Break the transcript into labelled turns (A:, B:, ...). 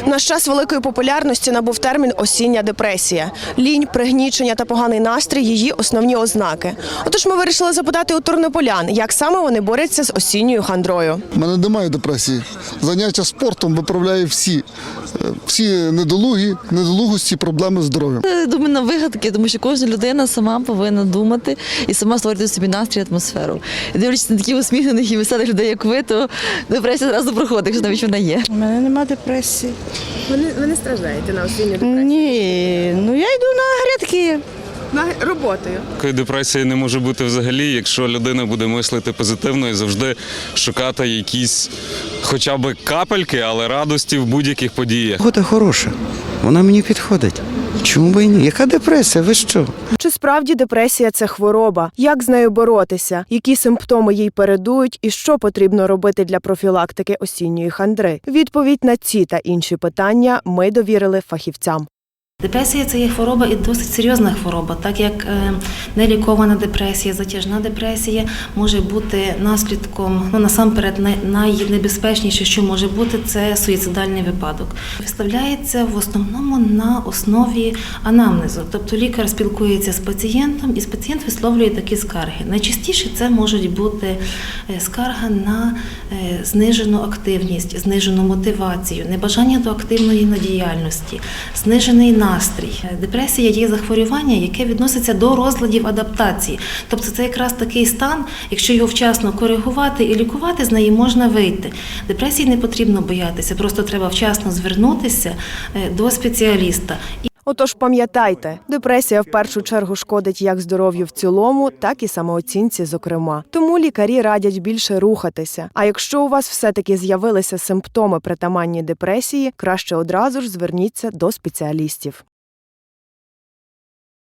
A: В наш час великої популярності набув термін «осіння депресія». Лінь, пригнічення та поганий настрій – її основні ознаки. Отож ми вирішили запитати у тернополян, як саме вони борються з осінньою хандрою.
B: У мене немає депресії. Заняття спортом виправляє всі недолугості, проблеми з здоров'ям.
C: Думаю, на вигадки, тому що кожна людина сама повинна думати і сама створити собі настрій, атмосферу. І дивлячись на таких усміхнених і веселих людей, як ви, то депресія одразу проходить, якщо навіть вона є.
D: У мене немає депресії.
A: Ви не страждаєте на осінню депресію?
D: Ні, я йду на грядки.
A: Роботою.
E: Такої депресії не може бути взагалі, якщо людина буде мислити позитивно і завжди шукати якісь хоча б капельки, але радості в будь-яких подіях.
F: Погода хороша, вона мені підходить. Чому б і ні? Яка депресія? Ви що?
A: Чи справді депресія – це хвороба? Як з нею боротися? Які симптоми їй передують? І що потрібно робити для профілактики осінньої хандри? Відповідь на ці та інші питання ми довірили фахівцям.
G: Депресія – це є хвороба і досить серйозна хвороба, так як нелікована депресія, затяжна депресія може бути наслідком, насамперед найнебезпечніше, що може бути, це суїцидальний випадок. Виставляється в основному на основі анамнезу, тобто лікар спілкується з пацієнтом і пацієнт висловлює такі скарги. Найчастіше це можуть бути скарга на знижену активність, знижену мотивацію, небажання до активної діяльності, знижений настрій. Депресія є захворювання, яке відноситься до розладів адаптації. Тобто це якраз такий стан, якщо його вчасно коригувати і лікувати, з неї можна вийти. Депресії не потрібно боятися, просто треба вчасно звернутися до спеціаліста.
A: Отож пам'ятайте, депресія в першу чергу шкодить як здоров'ю в цілому, так і самооцінці зокрема. Тому лікарі радять більше рухатися. А якщо у вас все-таки з'явилися симптоми притаманні депресії, краще одразу ж зверніться до спеціалістів.